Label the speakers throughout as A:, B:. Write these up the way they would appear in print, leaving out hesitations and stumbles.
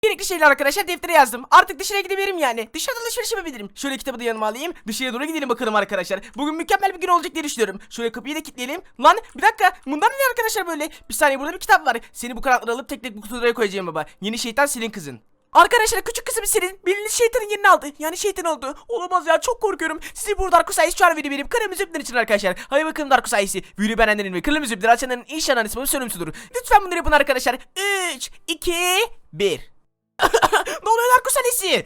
A: Gerekli şeyler arkadaşlar deftere yazdım. Artık dışarıya gidebilirim yani. Dışarıda alışveriş yapabilirim. Şöyle kitabı da yanıma alayım. Dışarıya doğru gidelim bakalım arkadaşlar. Bugün mükemmel bir gün olacak diye düşünüyorum. Şöyle kapıyı da kilitleyelim. Lan bir dakika. Bundan ne arkadaşlar böyle? Bir saniye, burada bir kitap var. Seni bu kanatları alıp tek tek bu kutulara koyacağım baba. Yeni şeytan Selin kızın. Arkadaşlar küçük kızım Selin bildiğiniz şeytanın yerini aldı. Yani şeytan oldu. Olamaz ya, çok korkuyorum. Sizi burada Darkus Aysi şu an video verip kırmızı ipler için arkadaşlar. Hadi bakalım Darkus Aysi. Videoyu beğenenlerin ve kırmızı ipler açanların inşallah ismini sorumsudur. Lütfen bunları yapın arkadaşlar. 3, 2, 1. Ne oluyor Darkus Aysi?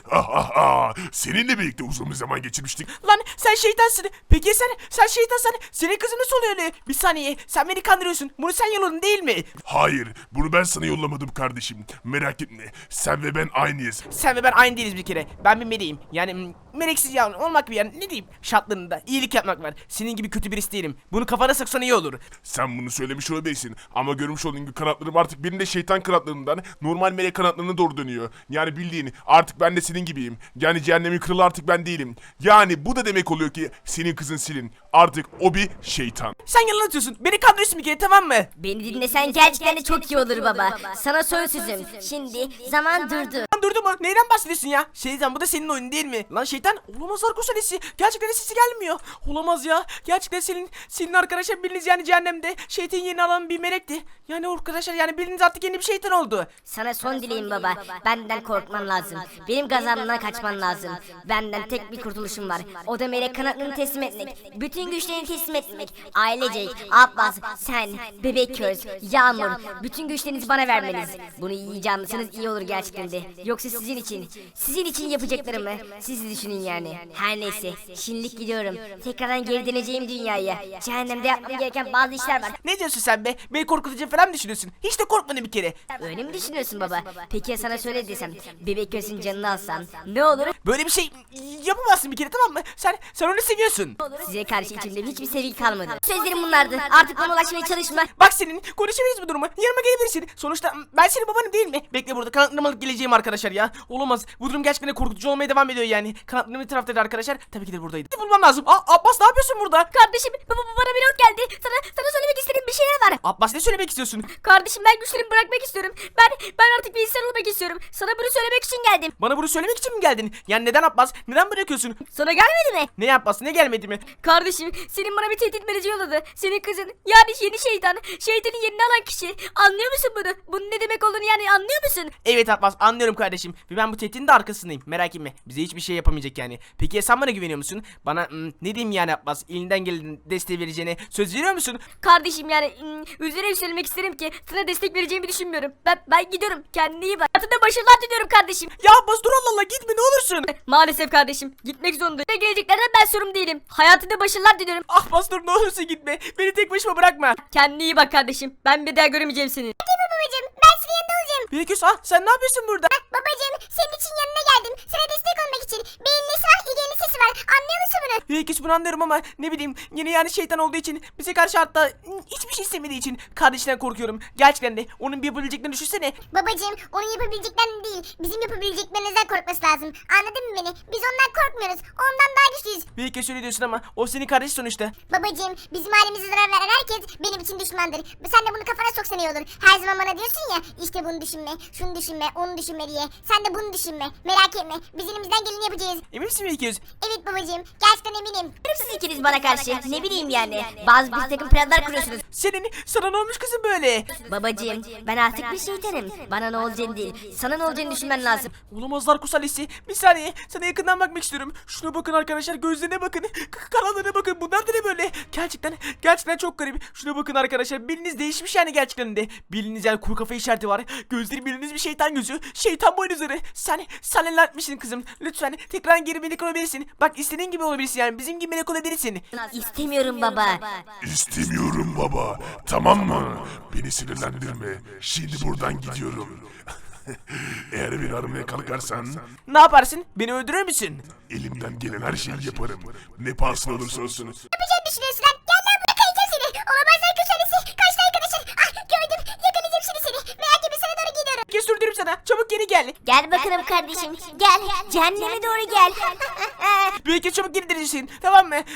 B: Seninle birlikte uzun bir zaman geçirmiştik.
A: Lan sen şeytansın. Peki sen şeytansan senin kızın nasıl oluyor öyle? Bir saniye, sen beni kandırıyorsun. Bunu sen yolladın değil mi?
B: Hayır, bunu ben sana yollamadım kardeşim. Merak etme, sen ve ben aynıyız.
A: Sen ve ben aynı değiliz bir kere. Ben bir meleğim. Yani meleksiz yani olmak bir yani ne diyeyim? Şartlarında iyilik yapmak var. Senin gibi kötü birisi değilim. Bunu kafana sıksan iyi olur.
B: Sen bunu söylemiş olabilirsin ama görmüş olduğun gibi kanatlarım artık benim de şeytan kanatlarından normal melek kanatlarına doğru dönüyor. Yani bildiğin artık ben de senin gibiyim. Yani cehennemin kralı artık ben değilim. Yani bu da demek oluyor ki senin kızın Selin artık o bir şeytan.
A: Sen yalan atıyorsun. Beni kandırıyorsun bir kere, tamam mı?
C: Beni dinlesen gerçekten de çok iyi olur baba. Sana son sözüm. Şimdi zaman durdu.
A: Lan durdu mu? Neyden bahsediyorsun ya? Şeytan, bu da senin oyunun değil mi? Lan şeytan, olamaz Darkus Aysi. Gerçekten sesi gelmiyor. Olamaz ya. Gerçekten senin arkadaşlar bildiğiniz yani cehennemde şeytanın yerini alan bir melekti. Yani arkadaşlar yani bildiğiniz artık yeni bir şeytan oldu.
C: Sana son dileğim baba. Benden korkman lazım. Benim gazabımdan kaçman lazım. Benden tek bir kurtuluşum var. O da melek kanatlarını teslim etmek. Bütün güçlerini teslim etmek. Ailecek, Abbas, sen, Bebek Köz, Yağmur. Bütün güçlerinizi bana vermeniz. Bunu iyice anlasanız iyi olur gerçekten de. Yoksa sizin için yapacaklarımı siz düşünün yani. Her neyse, şimdilik gidiyorum. Tekrardan geri döneceğim dünyaya. Cehennemde yapmam gereken bazı işler var.
A: Ne diyorsun sen be? Beni korkutucu falan mı düşünüyorsun? Hiç de korkmadın bir kere.
C: Öyle mi düşünüyorsun baba? Peki ya sana şöyle desem, Bebek Köz'ün canını alsam ne olur?
A: Böyle bir şey yapamazsın bir kere, tamam mı? Sen onu seviyorsun.
C: Size karşı içimde hiçbir sevgi kalmadı. Sözlerim bunlardı. Artık bana ulaşmaya çalışma.
A: Bak senin konuşabiliriz bu durumu. Yanıma gelebilirsin. Sonuçta ben senin babanım değil mi? Bekle, burada kanatlarımı alıp geleceğim arkadaşlar ya. Olamaz. Bu durum gerçekten de korkutucu olmaya devam ediyor yani. Kanatlarım bir taraftaydı arkadaşlar. Tabii ki de buradaydı. Bulmam lazım. Abbas, ne yapıyorsun burada?
C: Kardeşim bana bir not geldi. Sana söylemek istediğim bir şeyler var.
A: Abbas, ne söylemek istiyorsun?
C: Kardeşim ben güçlerimi bırakmak istiyorum. Ben artık bir insan olmak istiyorum. Sana bunu söylemek için geldim.
A: Bana bunu söylemek için mi geldin? Yani neden Abbas? Neden bırakıyorsun?
C: Sana gelmedi mi?
A: Ne Abbas? Ne gelmedi mi?
C: Kardeşim senin bana bir tehdit mesajı yolladı. Senin kızın yani yeni şeytan. Şeytanın yerini alan kişi. Anlıyor musun bunu? Bunun ne demek olduğunu yani anlıyor musun?
A: Evet Abbas, anlıyorum kardeşim. Ve ben bu tehditin de arkasındayım. Merak etme. Bize hiçbir şey yapamayacak yani. Peki ya sen bana güveniyor musun? Bana ne diyeyim yani Abbas? Elinden gelen desteği vereceğine söz veriyor musun?
C: Kardeşim yani üzerine söylemek isterim ki sana destek vereceğimi düşünmüyorum. Ben gidiyorum. Kendine iyi bak. Hayatında başarılar diliyorum kardeşim.
A: Ya Abbas dur, Allah Allah, gitme ne olursun.
C: Maalesef kardeşim. Gitmek zorundayım. Ve geleceklerden ben sorumlu değilim. Hayatında başarılar diliyorum.
A: Abbas dur, ne olursun gitme. Beni tek başıma bırakma.
C: Kendine iyi bak kardeşim. Ben bir daha göremeyeceğim seni.
D: Babacım ben senin yanında olacağım.
A: Büyüküs, sen ne yapıyorsun burada?
D: Babacım senin için yanına geldim. Sana destek olmak için. Bir nesi var, ilginin sesi var. Anlıyor musun bunu?
A: Büyüküs, bunu anlıyorum ama ne bileyim, yeni yani şeytan olduğu için, bize karşı hatta hiçbir şey istemediği için kardeşinden korkuyorum. Gerçekten de onun bir yapabileceklerini düşünsene.
D: Babacım onun yapabileceklerini değil, bizim yapabileceklerimizden korkması lazım. Anladın mı beni? Biz ondan korkmuyoruz. Ondan daha güçlüyüz.
A: Büyüküs öyle diyorsun ama o senin kardeş sonuçta.
D: Babacım bizim ailemize zarar veren herkes benim için düşmandır. Sen de bunu kafana soksan iyi olur. Her zaman bana diyorsun ya işte bunu düşünme, şunu düşünme, onu düşünme diye. Sen de bunu düşünme. Merak etme. Biz elimizden geleni yapacağız.
A: Emin misin Büyüküs?
D: Evet babacım. Gerçekten eminim.
C: Siz ikiniz bana karşı ne bileyim yani. Bazı bir takım planlar kuruyorsunuz.
A: Sana ne olmuş kızım böyle?
C: Babacığım ben artık bir şeytanım. Bana ne olacağını değil. Sana ne olacağını düşünmen lazım.
A: Olamaz Darkus Aysi. Bir saniye, sana yakından bakmak istiyorum. Şuna bakın arkadaşlar, gözlerine bakın. Kanallarına bakın, bunlar da ne böyle? Gerçekten çok garip. Şuna bakın arkadaşlar, biliniz değişmiş yani gerçekten de. Biliniz yani kuru kafa işareti var. Gözleri biliniz bir şeytan gözü. Şeytan boynuzları. Sen neler etmişsin kızım? Lütfen tekrar geri melek olabilirsin. Bak istediğin gibi olabilirsin yani, bizim gibi melek olabilirsin.
C: İstemiyorum baba.
B: İstemiyorum baba, tamam mı? Beni sinirlendirme, şimdi buradan gidiyorum. Eğer beni aramaya kalkarsan
A: Ne yaparsın? Beni öldürür müsün?
B: elimden gelen her şeyi yaparım. Ne pahasına olursa olsun.
D: Yapacağını düşünüyorsun lan. Gel lan buraya kayacağım seni. Olamaz lan köşelisi. Kaçtı arkadaşlar. Ah gördüm. Yakalayacağım şimdi seni. Merak etme sana doğru gidiyorum.
A: kez sürdürürüm sana. Çabuk geri gel.
C: Gel bakalım kardeşim. Gel. Cehenneme doğru gel.
A: Bir kez çabuk geri döneceksin. Tamam mı?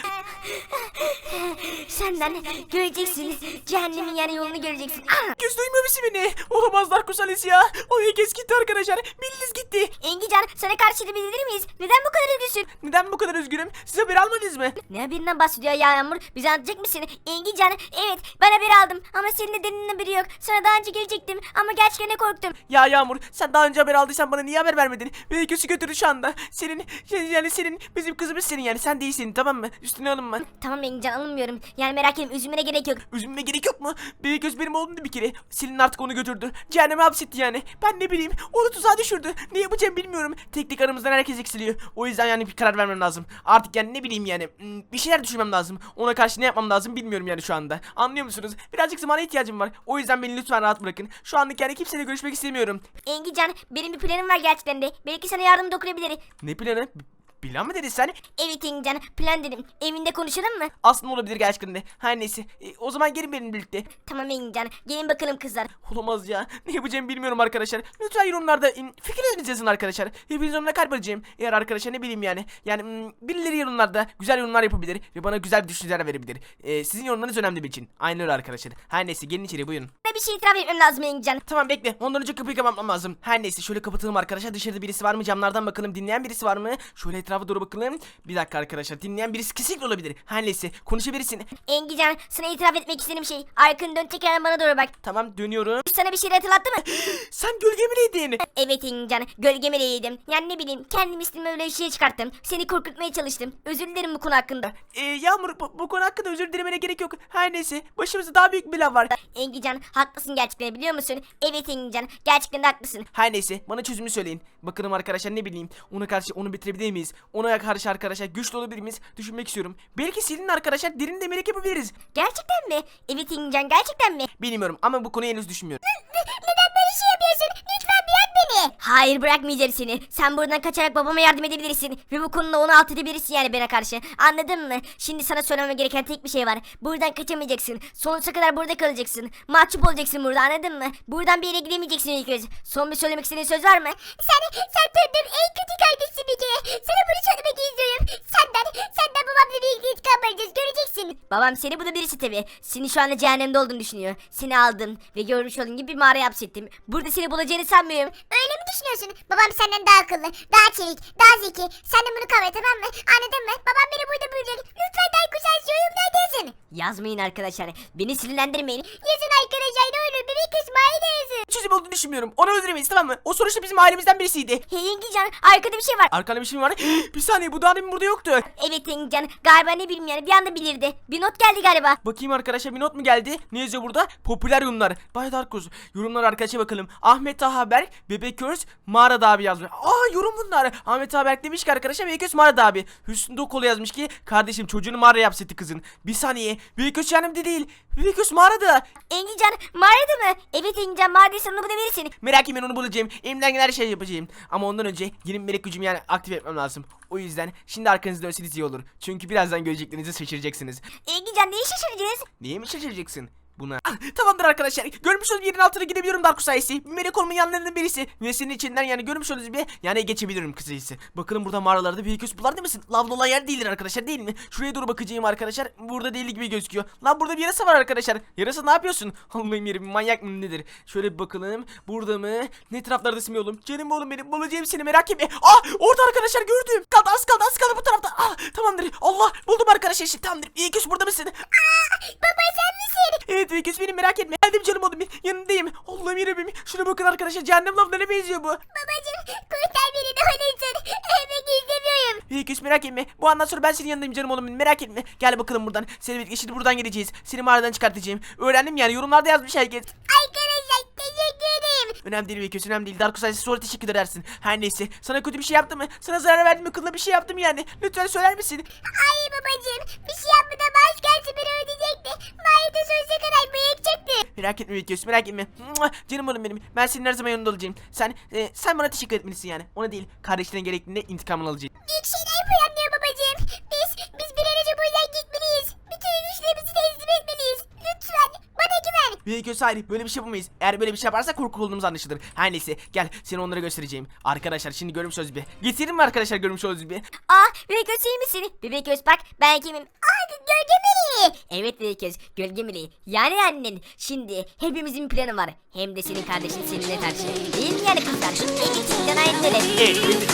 C: Senden göreceksin. Cehennemin yani yolunu göreceksin.
A: Kız duymuyor musun beni? Olamaz Darkus Alice ya. O bir kez gitti arkadaşlar. Bildiz gitti.
C: Engican sana karşı da bilir miyiz? Neden bu kadar üzgünsün?
A: Neden bu kadar üzgünüm? Siz haber almadınız mı?
C: Ne haberinden bahsediyor ya Yağmur? Bize anlatacak mısın? Engican evet ben haber aldım ama senin de Deni'nin haberi yok. Sana daha önce gelecektim ama gerçekten korktum.
A: Ya Yağmur sen daha önce haber aldıysan bana niye haber vermedin? Beni kötü götürdü şu anda. Senin yani senin bizim kızımız senin yani sen değilsin tamam mı? Üstüne alınma.
C: Tamam Engican alınmıyorum. Yani merak etme üzülmene gerek yok.
A: Üzülmeme gerek yok mu? Bebek göz benim oğlumdu bir kere. Selin artık onu götürdü. Cehenneme hapsetti yani. Ben ne bileyim onu tuzağa düşürdü. Ne yapacağım bilmiyorum. Tek aramızdan herkes eksiliyor. O yüzden yani bir karar vermem lazım. Artık yani ne bileyim yani bir şeyler düşünmem lazım. Ona karşı ne yapmam lazım bilmiyorum yani şu anda. Anlıyor musunuz? Birazcık zamana ihtiyacım var. O yüzden beni lütfen rahat bırakın. Şu anlık yani kimseyle görüşmek istemiyorum.
C: Engican benim bir planım var gerçekten de. Belki sana yardım dokunabilir.
A: Ne planı? Plan mı dedin sen?
C: Evet Engican plan dedim. Evinde konuşalım mı?
A: Aslında olabilir gerçekten de. Her neyse. O zaman gelin benimle birlikte.
C: Tamam Engican gelin bakalım kızlar.
A: Olamaz ya. Ne yapacağımı bilmiyorum arkadaşlar. Lütfen yorumlarda fikirlerinizi yazın arkadaşlar. Hepiniz yorumlara kalp arayacağım. Eğer arkadaşlar ne bileyim yani. Yani birileri yorumlarda güzel yorumlar yapabilir. Ve bana güzel düşünceler verebilir. Sizin yorumlarınız önemli benim için. Aynı öyle arkadaşlar. Her neyse gelin içeri buyurun.
C: Bana bir şey itiraf etmem lazım Engican.
A: Tamam bekle. Ondan önce kapıyı kapatmam lazım. Her neyse şöyle kapatalım arkadaşlar. Dışarıda birisi var mı? Camlardan bakalım. Dinleyen birisi var mı? Şöyle etrafa doğru bakalım. Bir dakika arkadaşlar. Dinleyen birisi kesinlikle olabilir. Her neyse konuşabilirsin.
C: Engican sana itiraf etmek istediğim şey. Arkanı dön tekrar bana doğru bak.
A: Tamam dönüyorum.
C: Sana bir şey hatırlattı mı?
A: Sen gölgemleydin.
C: Evet Engican gölgeme değildim. Yani ne bileyim kendim istediğim öyle işe çıkarttım. Seni korkutmaya çalıştım. Özür dilerim bu konu hakkında.
A: Yağmur bu konu hakkında özür dilemene gerek yok. Her neyse başımızda daha büyük bir laf var.
C: Engican haklısın gerçekten biliyor musun? Evet Engican gerçekten de haklısın.
A: Her neyse bana çözümü söyleyin. Bakalım arkadaşlar ne bileyim. Ona karşı onu bitirebilir miyiz? Ona karşı arkadaşlar güçlü olabilir miyiz? Düşünmek istiyorum. Belki Selin'le arkadaşlar derin demelek yapabiliriz.
C: Gerçekten mi? Evet Engican gerçekten mi?
A: Bilmiyorum ama bu konuyu henüz düşünmüyorum.
D: Neden böyle şey yapıyorsun? Lütfen bırak beni.
C: Hayır bırakmayacağım seni. Sen buradan kaçarak babama yardım edebilirsin. Ve bu konuda onu alt edebilirsin yani bana karşı. Anladın mı? Şimdi sana söylemem gereken tek bir şey var. Buradan kaçamayacaksın. Sonsuza kadar burada kalacaksın. Mahcup olacaksın burada anladın mı? Buradan bir yere gidemeyeceksin ilk kez. Son bir söylemek istediğin söz var mı?
D: Sen tanıdığım en kötü kardeşsin bir kere. Sana bunu söylemek istiyorum. Senden babamla bir intikam alacağız. Göreceksin.
C: Babam seni bu da birisi tabi. Seni şu anda cehennemde olduğunu düşünüyor. Seni aldım ve görmüş olduğun gibi bir mağaraya hapsettim. Burada seni bulacağını sanmıyorum.
D: Öyle mi düşünüyorsun? Babam senden daha akıllı, daha çevik, daha zeki. Sen de bunu kavra tamam mı? Anladın mı? Babam beni burada bulacak. Lütfen Darkus Alice yorumlarda yazın.
C: Yazmayın arkadaşlar. Beni sinirlendirmeyin.
D: Yazın arkadaşlar ne olur. Bebek kısmı da yazın.
A: Çözüm olduğunu düşünmüyorum. Onu öldüremeyiz tamam mı? O sonuçta bizim ailemizden birisiydi.
C: Hey Engican arkada bir şey var.
A: Arkanda bir şey mi var? Bir saniye bu daha demin burada yoktu.
C: Evet Engican galiba ne bileyim yani bir anda bilirdi. Bir not geldi galiba.
A: Bakayım arkadaşlar bir not mu geldi? Ne yazıyor burada? Popüler yorumlar. Bay Darkus. Yorumlar arkadaşa bakalım. Ahmet Haber, Bebek Körs, Mağarada abi yazmış. Yorum bunlar. Ahmet Haber demiş ki arkadaşlar Bebek Körs Mağarada abi. Hüsnü Dokolu yazmış ki kardeşim çocuğunu mağaraya hapsetti kızın. Bir saniye. Bebek Körs yanımda değil. Bebek Körs mağarada.
C: Engican mağarada mı? Evet Engican mağaradaysan onu bulabilirsin.
A: Merak etmeyin onu bulacağım. Elimden gelen her şeyi yapacağım. Ama ondan önce yeni melek gücümü yani aktif etmem lazım. O yüzden şimdi arkanızı dönseniz iyi olur. Çünkü birazdan göreceklerinizi şaşıracaksınız.
C: Engican neyi şaşıracağız?
A: Niye mi şaşıracaksın? Buna. Tamamdır arkadaşlar. Görmüş olduğunuz yerin altına gidebiliyorum Darkus sayesi. Melek olmanın yanlarından birisi. Ve senin içinden yani görmüş olduğunuz bir yani geçebilirim kısacası. Bakalım burada mağaralarda bir köz bular değil misin? Lavlı olan yer değildir arkadaşlar değil mi? Şuraya doğru bakacağım arkadaşlar. Burada değil gibi gözüküyor. Lan burada bir yarasa var arkadaşlar. Yarasa ne yapıyorsun? Allah'ım yerim manyak mı nedir? Şöyle bir bakalım. Burada mı? Ne taraflardasın be oğlum? Canım oğlum benim. Bulacağım seni merak etme. Orada arkadaşlar gördüm. Az kaldı bu tarafta. Tamamdır. Allah buldum arkadaşlar. Şimdi tamamdır. İyi köz burada mısın?
D: Baba sen misin?
A: Evet Vegas benim merak etme. Geldim canım oğlum yanındayım. Allah'ım yarabbim. Şuna bakın arkadaşlar cehennem lavlarına benziyor bu.
D: Babacım kurtar beni ne olursun. Ölmek istemiyorum.
A: Vegas merak etme. Bu andan sonra ben senin yanındayım canım oğlum merak etme. Gel bakalım buradan. Seni birlikte şimdi buradan geleceğiz. Seni mağaradan çıkartacağım. Öğrendim yani yorumlarda yazmış herkes.
D: Arkadaşlar teşekkür ederim.
A: Önemli değil Vegas önemli değil. Darkus Ailesi sonra teşekkür edersin. Her neyse. Sana kötü bir şey yaptım mı? Sana zarar verdim mi? Kılına bir şey yaptım yani. Lütfen söyler misin?
D: Hayır babacım bir şey yapmadan az gelsin beni ödeyecekti. Mahiyete sonsuza kadar bıyıkacaktı.
A: Merak etme Vegas merak etme. Mua, canım oğlum benim. Ben senin her zaman yanında olacağım. Sen bana teşekkür etmelisin yani. Ona değil. Kardeşlerin gerektiğinde intikamını alacağım.
D: Büyük şeyler planlıyor babacım. Biz bir an önce buradan gitmeliyiz. Bütün güçlerimizi teslim etmeliyiz. Lütfen bana güven.
A: Bebek göz hayır, böyle bir şey yapamayız. Eğer böyle bir şey yaparsak korku olduğumuz anlaşılır. Her neyse gel seni onlara göstereceğim. Arkadaşlar şimdi görmüş olduğunuz gibi. Getirelim mi arkadaşlar görmüş olduğunuz gibi?
C: Bebek göz iyi misin? Bebek göz bak ben kimim? Gölge meleği. Evet bebek göz gölge meleği. Yani annen. Şimdi hepimizin bir planı var. Hem de senin kardeşin seninle karşı. Değil mi yani kızlar? En içinden ayrılır.
A: Evet benim de